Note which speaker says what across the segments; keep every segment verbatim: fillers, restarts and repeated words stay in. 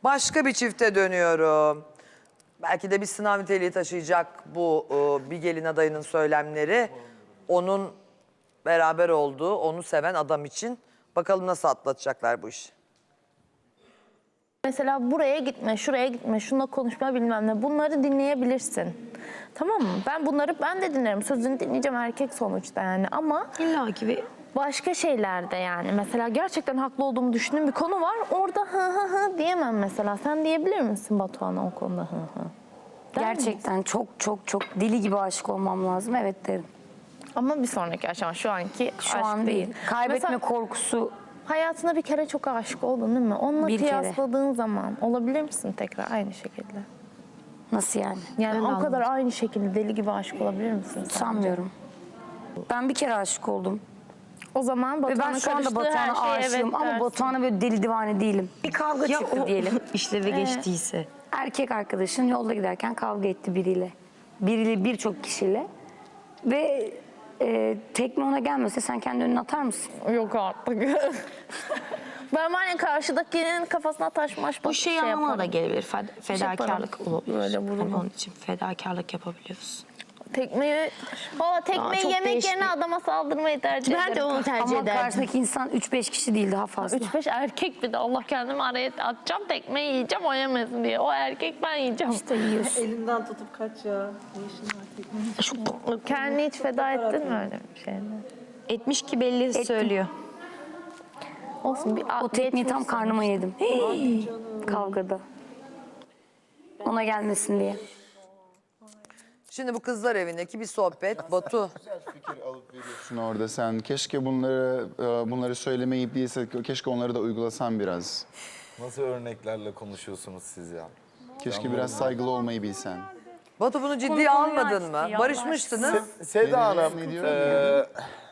Speaker 1: Başka bir çifte dönüyorum. Belki de bir sınav niteliği taşıyacak bu e, bir gelin adayının söylemleri. Onun beraber olduğu, onu seven adam için. Bakalım nasıl atlatacaklar bu işi.
Speaker 2: Mesela buraya gitme, şuraya gitme, şununla konuşma bilmem ne. Bunları dinleyebilirsin. Tamam mı? Ben bunları ben de dinlerim. Sözünü dinleyeceğim erkek sonuçta yani ama...
Speaker 3: İlla ki bir...
Speaker 2: Başka şeylerde yani. Mesela gerçekten haklı olduğumu düşündüğüm bir konu var. Orada hı hı hı diyemem mesela. Sen diyebilir misin Batuhan'a o konuda hı hı? Der
Speaker 3: Gerçekten
Speaker 2: misin?
Speaker 3: çok çok çok deli gibi aşık olmam lazım. Evet derim.
Speaker 2: Ama bir sonraki aşama şu anki
Speaker 3: Şu
Speaker 2: aşk
Speaker 3: an değil. Kaybetme
Speaker 2: Mesela
Speaker 3: korkusu.
Speaker 2: hayatına bir kere çok aşık oldun değil mi? Onunla
Speaker 3: Bir kere.
Speaker 2: kıyasladığın zaman olabilir misin tekrar aynı şekilde?
Speaker 3: Nasıl yani?
Speaker 2: Yani
Speaker 3: Ben
Speaker 2: o kadar aynı şekilde deli gibi aşık olabilir misin sence?
Speaker 3: sanmıyorum. Ben bir kere aşık oldum.
Speaker 2: O zaman
Speaker 3: Ve ben
Speaker 2: Batuhan'ın
Speaker 3: şu anda
Speaker 2: karıştığı her
Speaker 3: Batuhan'a
Speaker 2: şeye
Speaker 3: aşığım
Speaker 2: evet
Speaker 3: ama
Speaker 2: dersin.
Speaker 3: Batuhan'a böyle deli divane değilim. Bir kavga
Speaker 4: Ya
Speaker 3: çıktı
Speaker 4: o
Speaker 3: diyelim.
Speaker 4: işleve geçtiyse.
Speaker 3: Erkek arkadaşın yolda giderken kavga etti biriyle. Biriyle birçok kişiyle. Ve e, tekme ona gelmese sen kendi önüne atar mısın?
Speaker 2: Yok artık. Ben var ya karşıdakinin kafasına taş maş
Speaker 4: Bu şey anlamına da
Speaker 2: yaparım.
Speaker 4: gelebilir. Fed- fedakarlık
Speaker 2: yaparım.
Speaker 4: olabilir.
Speaker 2: Böyle vurulur.
Speaker 4: Hani onun için fedakarlık yapabiliyoruz.
Speaker 2: Tekmeyi, valla
Speaker 4: Aa,
Speaker 2: tekmeyi
Speaker 4: çok
Speaker 2: yemek
Speaker 4: değişik.
Speaker 2: yerine adama saldırmayı tercih ederim.
Speaker 4: Ben de onu tercih
Speaker 3: Ama
Speaker 4: ederdim.
Speaker 3: karşındaki insan üç beş kişi değil, daha fazla.
Speaker 2: Üç beş erkek bir de Allah kendimi araya atacağım tekmeyi yiyeceğim o yemesin diye. O erkek ben yiyeceğim.
Speaker 3: İşte yiyorsun.
Speaker 5: Elinden tutup kaç ya. Ne işin var teknenin?
Speaker 2: Kendini hiç feda ettin mi öyle bir şeyle?
Speaker 4: Etmiş ki belli söylüyor.
Speaker 2: Olsun bir
Speaker 3: O tekmeyi tam
Speaker 2: geçmiş
Speaker 3: karnıma
Speaker 2: sonuçta.
Speaker 3: yedim. Kavgada. Ona gelmesin diye.
Speaker 1: Şimdi bu kızlar evindeki bir sohbet. Batu.
Speaker 6: Fikir alıp veriyorsun orada sen. Keşke bunları e, bunları söylemeyip değilse keşke onları da uygulasan biraz.
Speaker 7: Nasıl örneklerle konuşuyorsunuz siz ya?
Speaker 6: Keşke biraz saygılı olmayı bilsen.
Speaker 1: Batu bunu ciddiye
Speaker 3: Konu-
Speaker 1: almadın
Speaker 3: konuyu
Speaker 1: mı?
Speaker 3: açtı ya,
Speaker 1: Barışmıştınız.
Speaker 7: Seda Hanım,
Speaker 6: Ne diyor?
Speaker 7: eee,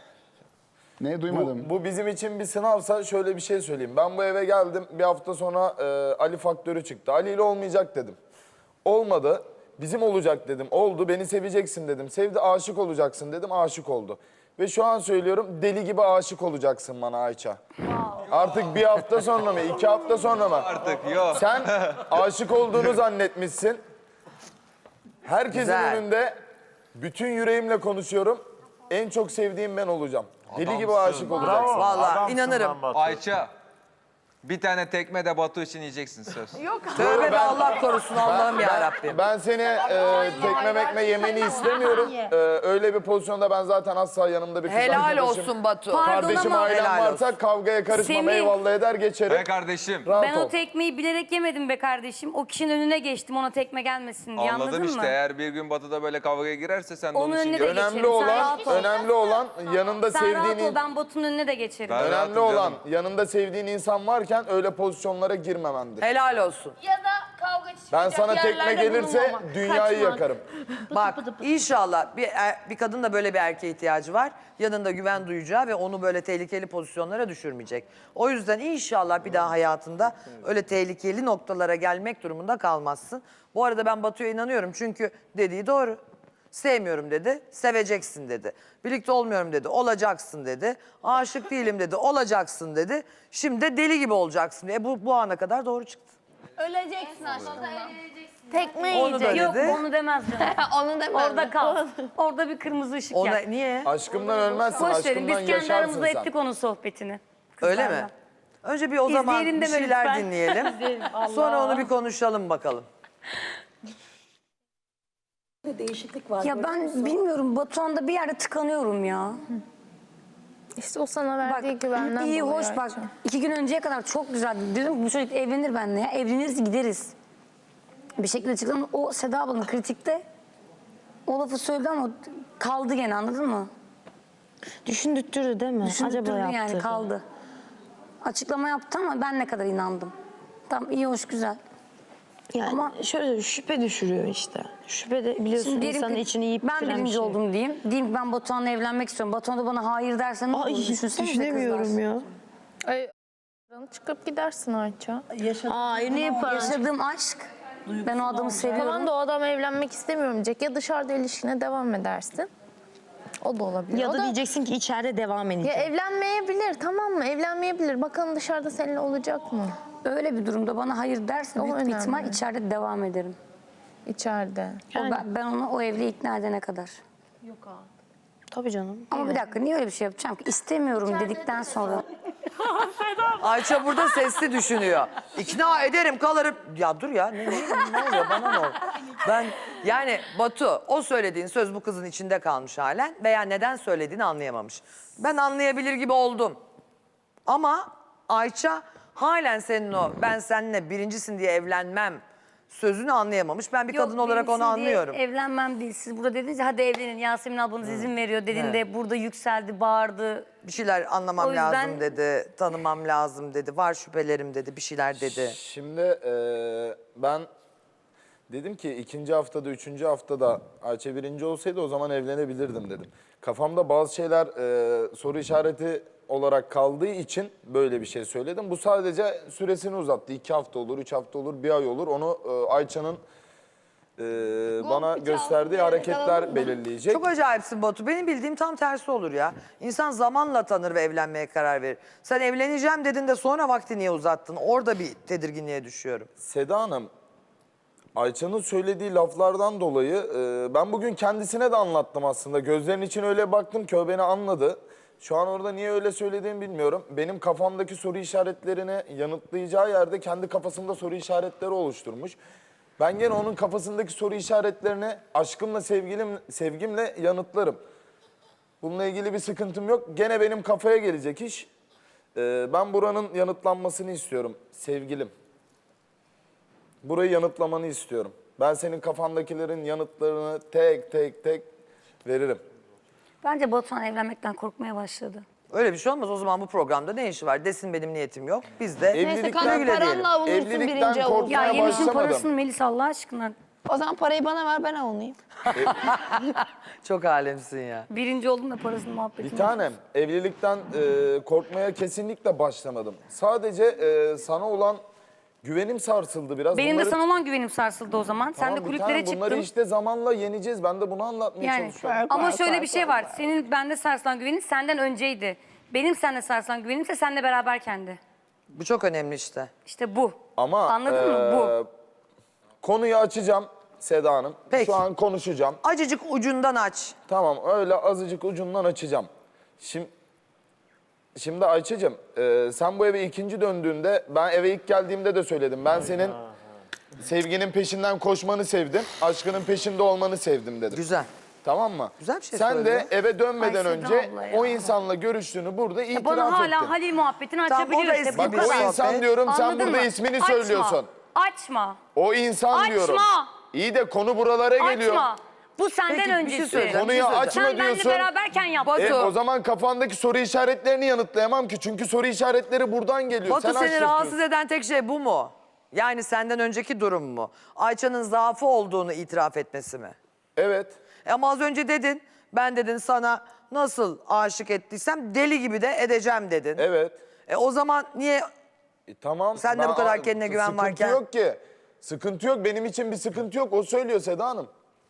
Speaker 6: Ne duymadım.
Speaker 7: bu, bu bizim için bir sınavsa şöyle bir şey söyleyeyim. Ben bu eve geldim, bir hafta sonra eee, Ali faktörü çıktı. Ali ile olmayacak dedim. Olmadı. Bizim olacak dedim. Oldu. Beni seveceksin dedim. Sevdi, aşık olacaksın dedim. Aşık oldu. Ve şu an söylüyorum, deli gibi aşık olacaksın bana Ayça. Artık bir hafta sonra mı, iki hafta sonra mı?
Speaker 8: Artık yok.
Speaker 7: Sen aşık olduğunu zannetmişsin. Herkesin
Speaker 1: Güzel.
Speaker 7: önünde bütün yüreğimle konuşuyorum. En çok sevdiğim ben olacağım. Deli gibi aşık olacaksın.
Speaker 1: Vallahi inanırım.
Speaker 8: Ayça, bir tane tekme de Batu için yiyeceksin söz.
Speaker 1: Tövbe be Allah korusun Allah'ım ya Rabbim.
Speaker 7: Ben seni e, tekme mekme yemeni istemiyorum. E, öyle bir pozisyonda ben zaten asla yanımda bir kız
Speaker 1: Helal
Speaker 7: arkadaşım,
Speaker 1: olsun Batu.
Speaker 7: kardeşim,
Speaker 3: ama-
Speaker 7: ailem
Speaker 1: Helal
Speaker 7: varsa
Speaker 1: olsun.
Speaker 7: kavgaya karışmam,
Speaker 3: Semih.
Speaker 7: eyvallah eder geçerim.
Speaker 8: Be kardeşim.
Speaker 7: Rahat
Speaker 3: Ben
Speaker 7: ol.
Speaker 3: o tekmeyi bilerek yemedim be kardeşim. O kişinin önüne geçtim ona tekme gelmesin diye,
Speaker 8: Anladım
Speaker 3: anladın
Speaker 8: işte.
Speaker 3: mı?
Speaker 8: Eğer bir gün Batu da böyle kavgaya girerse sen de
Speaker 3: Onun
Speaker 8: onun için
Speaker 3: önüne de
Speaker 8: gör.
Speaker 3: geçerim.
Speaker 7: Önemli
Speaker 3: Sen
Speaker 7: olan,
Speaker 3: rahat ol.
Speaker 7: önemli olan yanında
Speaker 3: Sen rahat
Speaker 7: sevdiğin
Speaker 3: ol, ben Batu'nun önüne de geçerim.
Speaker 8: Ben-
Speaker 7: önemli
Speaker 8: rahatım
Speaker 7: olan
Speaker 8: canım.
Speaker 7: yanında sevdiğin insan varken öyle pozisyonlara girmemendir.
Speaker 1: Helal olsun.
Speaker 2: Ya da kavga çıkacak
Speaker 7: Ben sana tekme
Speaker 2: yerlerde
Speaker 7: gelirse
Speaker 2: bulunmamak,
Speaker 7: dünyayı
Speaker 2: kaçmak.
Speaker 7: yakarım.
Speaker 1: Bak inşallah bir, er- bir kadın da böyle bir erkeğe ihtiyacı var. Yanında güven duyacağı ve onu böyle tehlikeli pozisyonlara düşürmeyecek. O yüzden inşallah bir daha hayatında öyle tehlikeli noktalara gelmek durumunda kalmazsın. Bu arada ben Batu'ya inanıyorum çünkü dediği doğru. Sevmiyorum dedi, seveceksin dedi. Birlikte olmuyorum dedi, olacaksın dedi. Aşık değilim dedi, olacaksın dedi. Şimdi de deli gibi olacaksın. E bu, bu ana kadar doğru çıktı.
Speaker 2: Öleceksin aşkından. Tekme
Speaker 1: Onu da
Speaker 2: yiyecek.
Speaker 3: Yok
Speaker 1: dedi.
Speaker 3: onu demez canım.
Speaker 2: Onu demem.
Speaker 3: Orada kal. Orada bir kırmızı ışık
Speaker 1: Ona,
Speaker 3: yak.
Speaker 1: niye?
Speaker 7: Aşkımdan ölmezsin,
Speaker 3: Boş verin, biz
Speaker 7: aşkımdan
Speaker 3: kendi
Speaker 7: yaşarsın
Speaker 3: aramızda
Speaker 7: sen.
Speaker 3: ettik onun sohbetini.
Speaker 1: Öyle
Speaker 3: Kızlarla.
Speaker 1: mi? Önce bir o zaman
Speaker 3: İzleyelim
Speaker 1: bir
Speaker 3: deme
Speaker 1: şeyler
Speaker 3: lütfen.
Speaker 1: dinleyelim. Sonra onu bir konuşalım bakalım.
Speaker 5: Değişiklik var.
Speaker 3: Ya ben bilmiyorum, Batuhan'da bir yerde tıkanıyorum ya.
Speaker 2: İşte o sana
Speaker 3: Bak
Speaker 2: verdiği güvenden
Speaker 3: iyi
Speaker 2: dolayı
Speaker 3: hoş bak,
Speaker 2: Ayça.
Speaker 3: iki gün önceye kadar çok güzeldi. Dedim ki bu çocuk evlenir benimle ya. Evleniriz gideriz. Bir şekilde çıktım. O Seda ablanın kritikte o lafı söyledi ama kaldı gene, anladın mı?
Speaker 4: Düşündürttürdü değil mi?
Speaker 3: Düşündürdü
Speaker 4: Acaba yaptı.
Speaker 3: yani, kaldı. Açıklama yaptı ama ben ne kadar inandım. Tamam, iyi hoş güzel.
Speaker 4: Yani
Speaker 3: Ama-
Speaker 4: şöyle şüphe düşürüyor işte. Şüphe de biliyorsun
Speaker 3: Şimdi diyelim
Speaker 4: insanın
Speaker 3: ki
Speaker 4: içini yiyip
Speaker 3: ben
Speaker 4: bitiren bir
Speaker 3: birinci
Speaker 4: şey.
Speaker 3: oldum diyeyim. Diyeyim ki ben Batuhan'la evlenmek istiyorum. Batuhan da bana hayır derse ne olur?
Speaker 4: Ay
Speaker 3: Düşünsenize
Speaker 4: düşünemiyorum
Speaker 3: kızlar.
Speaker 4: ya.
Speaker 2: Ay, çıkıp gidersin Ayça.
Speaker 4: Ay ne yapar?
Speaker 3: Yaşadığım aşk. Ben o adamı seviyorum.
Speaker 2: Tamam da o adam evlenmek istemiyorum diyecek. Ya dışarıda ilişkine devam edersin. O da olabilir.
Speaker 4: Ya
Speaker 2: o
Speaker 4: da diyeceksin ki içeride devam
Speaker 2: Ya
Speaker 4: edeceğim.
Speaker 2: evlenmeyebilir, tamam mı? Evlenmeyebilir. Bakalım dışarıda seninle olacak mı?
Speaker 3: öyle bir durumda bana hayır derse
Speaker 2: O
Speaker 3: büyük bir
Speaker 2: önemli.
Speaker 3: ihtimal içeride devam ederim.
Speaker 2: İçeride.
Speaker 3: O ben, ben onu o evliliğe ikna edene kadar.
Speaker 4: Tabii canım.
Speaker 3: Ama bir dakika niye öyle bir şey yapacağım ki? İstemiyorum dedikten sonra.
Speaker 1: Ayça burada sesli düşünüyor. İkna ederim kalırım. Ya dur ya ne, ne, ne oluyor bana ne oluyor? Ben yani Batu o söylediğin söz bu kızın içinde kalmış halen veya neden söylediğini anlayamamış. Ben anlayabilir gibi oldum. Ama Ayça halen senin o ben seninle birincisin diye evlenmem sözünü anlayamamış. Ben bir kadın olarak onu
Speaker 3: benimsin diye
Speaker 1: anlıyorum.
Speaker 3: Evlenmem değil. Siz burada dediniz ya hadi evlenin. Yasemin ablanız izin veriyor dediğinde burada yükseldi, bağırdı.
Speaker 1: Bir şeyler anlamam
Speaker 3: O yüzden-
Speaker 1: lazım dedi, tanımam lazım dedi, var şüphelerim dedi, bir şeyler dedi.
Speaker 7: Şimdi eee, ben dedim ki ikinci haftada, üçüncü haftada Ayça birinci olsaydı o zaman evlenebilirdim dedim. Kafamda bazı şeyler eee, soru işareti olarak kaldığı için böyle bir şey söyledim. Bu sadece süresini uzattı. İki hafta olur, üç hafta olur, bir ay olur. Onu eee, Ayça'nın eee, bana gösterdiği hareketler belirleyecek.
Speaker 1: Çok acayipsin Batu. Benim bildiğim tam tersi olur ya. İnsan zamanla tanır ve evlenmeye karar verir. Sen evleneceğim dedin de sonra vakti niye uzattın? Orada bir tedirginliğe düşüyorum.
Speaker 7: Seda Hanım, Ayça'nın söylediği laflardan dolayı e, ben bugün kendisine de anlattım aslında. Gözlerinin için öyle baktım ki o beni anladı. Şu an orada niye öyle söylediğimi bilmiyorum. Benim kafamdaki soru işaretlerini yanıtlayacağı yerde kendi kafasında soru işaretleri oluşturmuş. Ben gene onun kafasındaki soru işaretlerini aşkımla, sevgilim, sevgimle yanıtlarım. Bununla ilgili bir sıkıntım yok. Gene benim kafaya gelecek iş. E, ben buranın yanıtlanmasını istiyorum sevgilim. Burayı yanıtlamanı istiyorum. Ben senin kafandakilerin yanıtlarını tek tek tek veririm.
Speaker 3: Bence Batuhan evlenmekten korkmaya başladı.
Speaker 1: Öyle bir şey olmaz. O zaman bu programda ne işi var? Desin benim niyetim yok. Biz de
Speaker 7: Evlilikten-
Speaker 1: güle güle diyelim.
Speaker 4: paranla avunursun
Speaker 7: Evlilikten
Speaker 4: birinci avun.
Speaker 7: korkmaya
Speaker 3: Ya yemişin
Speaker 7: başlamadım.
Speaker 3: parasını Melis Allah aşkına.
Speaker 4: O zaman parayı bana ver ben avunayım.
Speaker 1: Çok alemsin ya.
Speaker 3: Birinci oldum da parasını muhabbetini.
Speaker 7: Bir tanem, evlilikten e, korkmaya kesinlikle başlamadım. Sadece e, sana olan güvenim sarsıldı biraz.
Speaker 3: Benim
Speaker 7: Bunları-
Speaker 3: de sana olan güvenim sarsıldı o zaman. Sen
Speaker 7: Tamam,
Speaker 3: de
Speaker 7: bir
Speaker 3: kulüplere
Speaker 7: tanem,
Speaker 3: çıktın.
Speaker 7: Bunları işte zamanla yeneceğiz. Ben de bunu anlatmaya
Speaker 3: Yani
Speaker 7: çalışıyorum.
Speaker 3: ama
Speaker 4: var,
Speaker 3: şöyle
Speaker 4: var,
Speaker 3: bir şey
Speaker 4: var,
Speaker 3: var. Senin bende sarsılan güvenin senden önceydi. Benim sende sarsılan güvenim ise seninle beraberkendi.
Speaker 1: Bu çok önemli işte.
Speaker 3: İşte bu.
Speaker 7: Ama
Speaker 3: Anladın mı? Bu.
Speaker 7: e, konuyu açacağım Seda Hanım.
Speaker 1: Peki.
Speaker 7: Şu an konuşacağım.
Speaker 1: Acıcık ucundan aç.
Speaker 7: Tamam öyle azıcık ucundan açacağım. Şimdi, şimdi Ayça'cığım e, sen bu eve ikinci döndüğünde ben eve ilk geldiğimde de söyledim. Ben senin sevginin peşinden koşmanı sevdim. Aşkının peşinde olmanı sevdim dedim.
Speaker 1: Güzel.
Speaker 7: Tamam mı?
Speaker 1: Güzel bir şey
Speaker 7: Sen
Speaker 1: söylüyor.
Speaker 7: de eve dönmeden
Speaker 3: Ay Seda
Speaker 7: önce
Speaker 3: abla ya.
Speaker 7: o insanla görüştüğünü burada itiraf
Speaker 3: Bana hala
Speaker 7: ettin.
Speaker 3: Halil muhabbetini
Speaker 1: Tamam, o da
Speaker 3: açabiliyor işte.
Speaker 1: eski
Speaker 3: Bu
Speaker 7: Bak
Speaker 1: bir
Speaker 7: o
Speaker 3: kadar.
Speaker 1: sohbet.
Speaker 7: insan diyorum sen
Speaker 3: Anladın
Speaker 7: burada
Speaker 3: mı?
Speaker 7: ismini
Speaker 3: Açma.
Speaker 7: söylüyorsun.
Speaker 3: Açma.
Speaker 7: O insan
Speaker 3: Açma.
Speaker 7: diyorum. İyi de konu buralara geliyor.
Speaker 3: Açma. Bu senden
Speaker 1: Peki, bir şey
Speaker 3: öncesi.
Speaker 1: söyleyeceğim,
Speaker 7: Konuyu
Speaker 1: bir şey
Speaker 7: açma
Speaker 1: söyleyeceğim.
Speaker 3: Sen benimle
Speaker 7: diyorsun.
Speaker 3: beraberken yaptın.
Speaker 1: Batu.
Speaker 7: E, o zaman kafandaki soru işaretlerini yanıtlayamam ki. Çünkü soru işaretleri buradan geliyor.
Speaker 1: Batu
Speaker 7: Sen
Speaker 1: seni
Speaker 7: açtırtıyorsun.
Speaker 1: rahatsız eden tek şey bu mu? Yani senden önceki durum mu? Ayça'nın zaafı olduğunu itiraf etmesi mi?
Speaker 7: Evet.
Speaker 1: E ama az önce dedin, ben dedin sana nasıl aşık ettiysem deli gibi de edeceğim dedin.
Speaker 7: Evet.
Speaker 1: E o zaman niye
Speaker 7: E, tamam.
Speaker 1: Sen de
Speaker 7: Ben-
Speaker 1: bu kadar kendine güven
Speaker 7: sıkıntı
Speaker 1: varken-
Speaker 7: Sıkıntı yok ki. Sıkıntı yok. Benim için bir sıkıntı yok. O söylüyor Seda Hanım.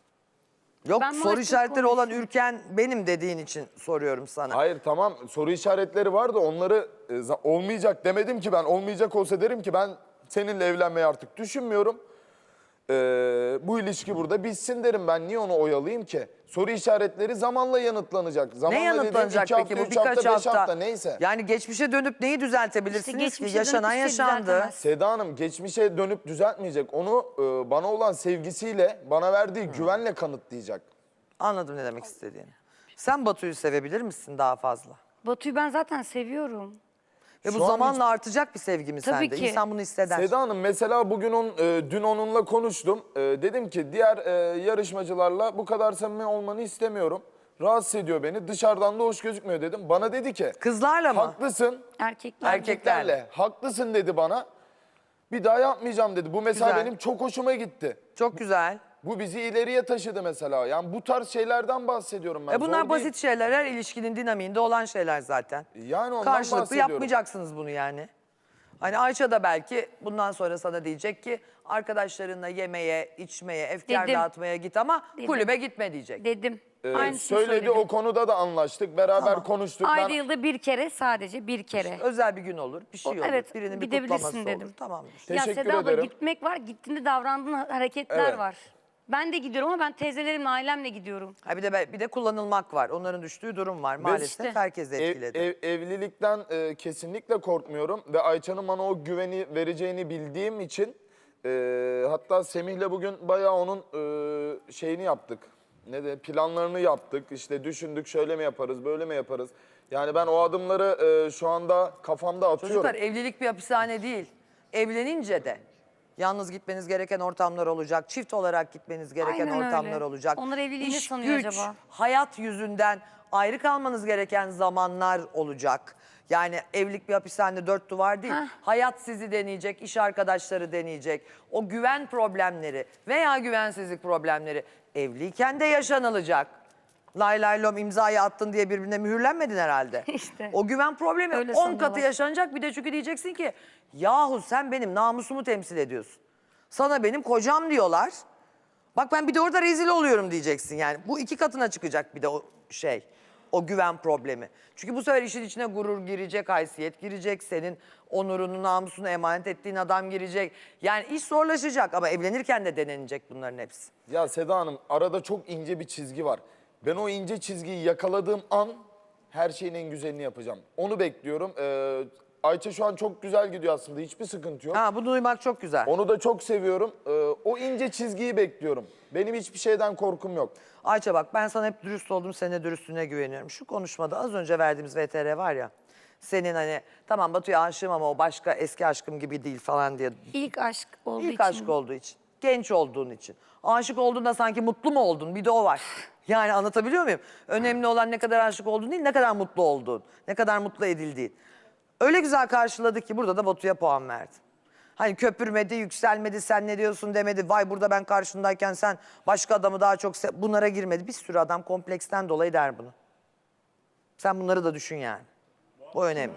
Speaker 1: yok
Speaker 3: Ben
Speaker 1: soru
Speaker 3: maalesef
Speaker 1: işaretleri olan
Speaker 3: konuşuyorum.
Speaker 1: ürken benim dediğin için soruyorum sana.
Speaker 7: Hayır tamam soru işaretleri var da onları e, za- olmayacak demedim ki ben. Olmayacak olsa derim ki ben seninle evlenmeyi artık düşünmüyorum. Ee, bu ilişki burada bitsin derim ben. Niye onu oyalayayım ki? Soru işaretleri zamanla yanıtlanacak. Zamanla
Speaker 1: Ne
Speaker 7: dediğim
Speaker 1: yanıtlanacak
Speaker 7: iki
Speaker 1: peki
Speaker 7: hafta,
Speaker 1: bu
Speaker 7: üç
Speaker 1: birkaç
Speaker 7: hafta, beş
Speaker 1: hafta?
Speaker 7: hafta neyse.
Speaker 1: Yani geçmişe dönüp neyi düzeltebilirsiniz ki?
Speaker 3: geçmişe dönüp
Speaker 1: Yaşanan
Speaker 3: hiçbir şey
Speaker 1: yaşandı.
Speaker 3: düzeltemez.
Speaker 7: Seda Hanım geçmişe dönüp düzeltmeyecek. Onu e, bana olan sevgisiyle, bana verdiği güvenle kanıtlayacak.
Speaker 1: Anladım ne demek istediğini. Sen Batu'yu sevebilir misin daha fazla?
Speaker 3: Batu'yu ben zaten seviyorum.
Speaker 1: Ve bu
Speaker 7: Şu an
Speaker 1: zamanla artacak bir sevgi mi
Speaker 3: Tabii
Speaker 1: sende?
Speaker 3: ki.
Speaker 1: İnsan bunu hisseder.
Speaker 7: Seda Hanım mesela bugün on, e, dün onunla konuştum. E, dedim ki diğer e, yarışmacılarla bu kadar samimi olmanı istemiyorum. Rahatsız ediyor beni. Dışarıdan da hoş gözükmüyor dedim. Bana dedi ki
Speaker 1: Kızlarla mı?
Speaker 7: haklısın.
Speaker 3: Erkekler.
Speaker 1: Erkeklerle.
Speaker 7: Haklısın dedi bana. Bir daha yapmayacağım dedi. Bu mesela
Speaker 1: Güzel.
Speaker 7: benim çok hoşuma gitti.
Speaker 1: Çok güzel.
Speaker 7: Bu bizi ileriye taşıdı mesela. Yani bu tarz şeylerden bahsediyorum ben.
Speaker 1: E bunlar
Speaker 7: Zor
Speaker 1: basit
Speaker 7: değil.
Speaker 1: şeyler. Her ilişkinin dinamiğinde olan şeyler zaten.
Speaker 7: Yani ondan
Speaker 1: Karşılıklı
Speaker 7: bahsediyorum.
Speaker 1: yapmayacaksınız bunu yani. Hani Ayça da belki bundan sonra sana diyecek ki arkadaşlarınla yemeye, içmeye, efkar
Speaker 3: Dedim.
Speaker 1: dağıtmaya git ama
Speaker 3: Dedim.
Speaker 1: kulübe gitme diyecek.
Speaker 3: Dedim.
Speaker 7: Ee,
Speaker 3: Aynısını
Speaker 7: söyledi,
Speaker 3: söyledim.
Speaker 7: o konuda da anlaştık. Beraber konuştuk.
Speaker 3: Ayda
Speaker 7: Ben
Speaker 3: yılda bir kere, sadece bir kere.
Speaker 1: Özel bir gün olur, bir şey
Speaker 3: O-
Speaker 1: olur.
Speaker 3: evet,
Speaker 1: Birinin bir
Speaker 3: gidebilirsin
Speaker 1: kutlaması
Speaker 3: dedim.
Speaker 1: olur. Tamamdır.
Speaker 3: Ya
Speaker 7: Teşekkür
Speaker 3: Seda abla,
Speaker 7: ederim.
Speaker 3: gitmek var, gittiğinde davrandığın hareketler
Speaker 7: Evet.
Speaker 3: var. Ben de gidiyorum ama ben teyzelerimle, ailemle gidiyorum.
Speaker 1: Ha bir de bir de kullanılmak var. Onların düştüğü durum var. Maalesef
Speaker 3: işte.
Speaker 1: herkes
Speaker 7: ev-
Speaker 1: etkiledi.
Speaker 7: ev- evlilikten e, kesinlikle korkmuyorum. Ve Ayça'nın bana o güveni vereceğini bildiğim için... e, hatta Semih'le bugün bayağı onun e, şeyini yaptık. Ne de planlarını yaptık. İşte düşündük, şöyle mi yaparız, böyle mi yaparız? Yani ben o adımları e, şu anda kafamda atıyorum.
Speaker 1: Çocuklar evlilik bir hapishane değil. Evlenince de yalnız gitmeniz gereken ortamlar olacak. Çift olarak gitmeniz gereken
Speaker 3: Aynen
Speaker 1: ortamlar
Speaker 3: öyle.
Speaker 1: olacak.
Speaker 3: Onlar evliliği ne
Speaker 1: İş,
Speaker 3: sanıyor
Speaker 1: güç,
Speaker 3: acaba?
Speaker 1: hayat yüzünden ayrı kalmanız gereken zamanlar olacak. Yani evlilik bir hapishane, dört duvar değil.
Speaker 3: Heh.
Speaker 1: Hayat sizi deneyecek, iş arkadaşları deneyecek. O güven problemleri veya güvensizlik problemleri evliyken de yaşanılacak. Lay lay lom imzayı attın diye birbirine mühürlenmedin herhalde.
Speaker 3: İşte.
Speaker 1: O güven problemi
Speaker 3: Öyle
Speaker 1: on
Speaker 3: sanıyorlar.
Speaker 1: katı yaşanacak. Bir de çünkü diyeceksin ki yahu sen benim namusumu temsil ediyorsun. Sana benim kocam diyorlar. Bak ben bir de orada rezil oluyorum diyeceksin yani. Bu iki katına çıkacak bir de o şey. O güven problemi. Çünkü bu sefer işin içine gurur girecek, haysiyet girecek. Senin onurunu, namusunu emanet ettiğin adam girecek. Yani iş zorlaşacak ama evlenirken de denenecek bunların hepsi.
Speaker 7: Ya Seda Hanım, arada çok ince bir çizgi var. Ben o ince çizgiyi yakaladığım an her şeyin en güzelini yapacağım. Onu bekliyorum. Ee, Ayça şu an çok güzel gidiyor aslında. Hiçbir sıkıntı yok.
Speaker 1: Ha bunu duymak çok güzel.
Speaker 7: Onu da çok seviyorum. Ee, o ince çizgiyi bekliyorum. Benim hiçbir şeyden korkum yok.
Speaker 1: Ayça bak ben sana hep dürüst oldum, senin de dürüstlüğüne güveniyorum. Şu konuşmada az önce verdiğimiz V T R var ya, senin hani tamam Batu'ya aşığım ama o başka eski aşkım gibi değil falan diye.
Speaker 3: İlk aşk olduğu
Speaker 1: İlk
Speaker 3: için.
Speaker 1: aşk olduğu için, genç olduğun için. Aşık olduğunda sanki mutlu mu oldun? Bir de o var. Yani anlatabiliyor muyum? Önemli olan ne kadar aşık olduğun değil, ne kadar mutlu olduğun, ne kadar mutlu edildiğin. Öyle güzel karşıladık ki burada da Batu'ya puan verdim. Hani köpürmedi, yükselmedi, sen ne diyorsun demedi. Vay burada ben karşındayken sen başka adamı daha çok... Se- Bunlara girmedi. Bir sürü adam kompleksten dolayı der bunu. Sen bunları da düşün yani. Bu önemli.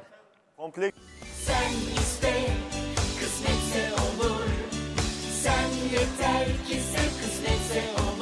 Speaker 9: Sen iste, kısmetse olur. Sen yeter ki sen kısmetse olur.